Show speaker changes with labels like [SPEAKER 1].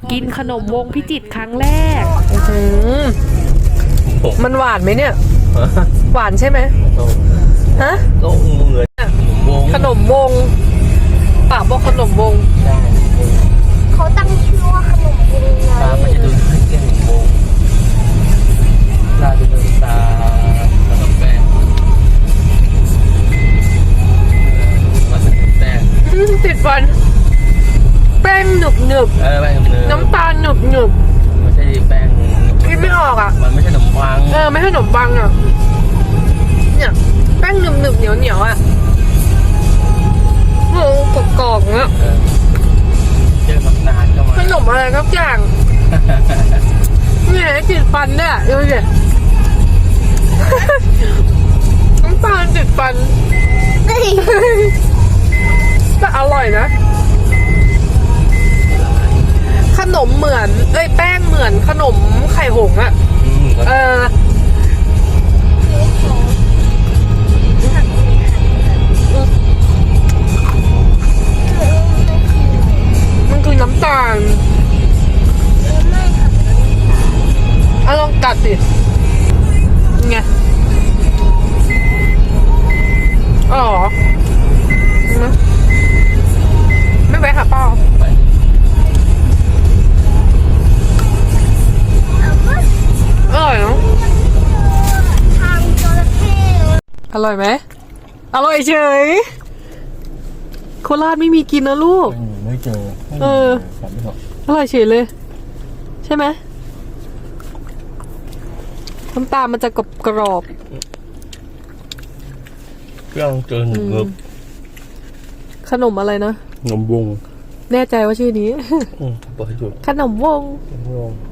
[SPEAKER 1] กินขนมวงพิจิตรครั้งแรก
[SPEAKER 2] มันหวานไหมเนี่ย หวานใช่ไหมฮะ
[SPEAKER 3] ก็เหมือนขนมวง
[SPEAKER 2] ขนมวงปากบอกขนมวง
[SPEAKER 3] ใช่
[SPEAKER 4] เขาตั้งชื่อว่าขนมวง
[SPEAKER 3] ตามันจะดูให้เกี่ยงขนมวงตาจะดูตาแล้วก็แป้งมันจะเป็นแป้ง
[SPEAKER 2] ติดฟัน แป้งหนึบหนึบ
[SPEAKER 3] แป้งเนื้อ
[SPEAKER 2] น้ำตาลหนึบหนึบ
[SPEAKER 3] ไม่ใช่แป้ง
[SPEAKER 2] กินไม่ออกอ่ะ
[SPEAKER 3] มันไม่ใช่ขนมปัง
[SPEAKER 2] ไม่ใช่ขนมปังอ่ะ เนี่ยแป้งหนึบหนึบเหนียวเหนียวอ่ะโอ้กรอบๆเงี้ย
[SPEAKER 3] เจอน้ำตาลเข้ามา
[SPEAKER 2] ขนมอะไรสักอย่างเนี่ยติดฟันเนี่ยดูดิ น้ำตาลติดฟัน แต่อร่อยนะ ขนมเหมือนแป้งเหมือนขนมไข่หงส์อะมันคือน้ำตาลลองกัดสิไงอ๋อไม่ไปหาเป้าอร่อยเนาะ
[SPEAKER 4] ทางจระเข้
[SPEAKER 2] อร่อยไหมอร่อยเฉยโคราชไม่มีกินนะลูก
[SPEAKER 3] ไม่เจอ
[SPEAKER 2] อร่อยเฉยเลย ใช่ไหมน้ำตาลมันจะกรอบ
[SPEAKER 3] เครื่องเจอหนึ่งเงือบ
[SPEAKER 2] ขนมอะไรนะ
[SPEAKER 3] ขนมวง
[SPEAKER 2] แน่ใจว่าชื่อนี้
[SPEAKER 3] เปิดให้ดู
[SPEAKER 2] ขนมวง
[SPEAKER 3] ขนมวง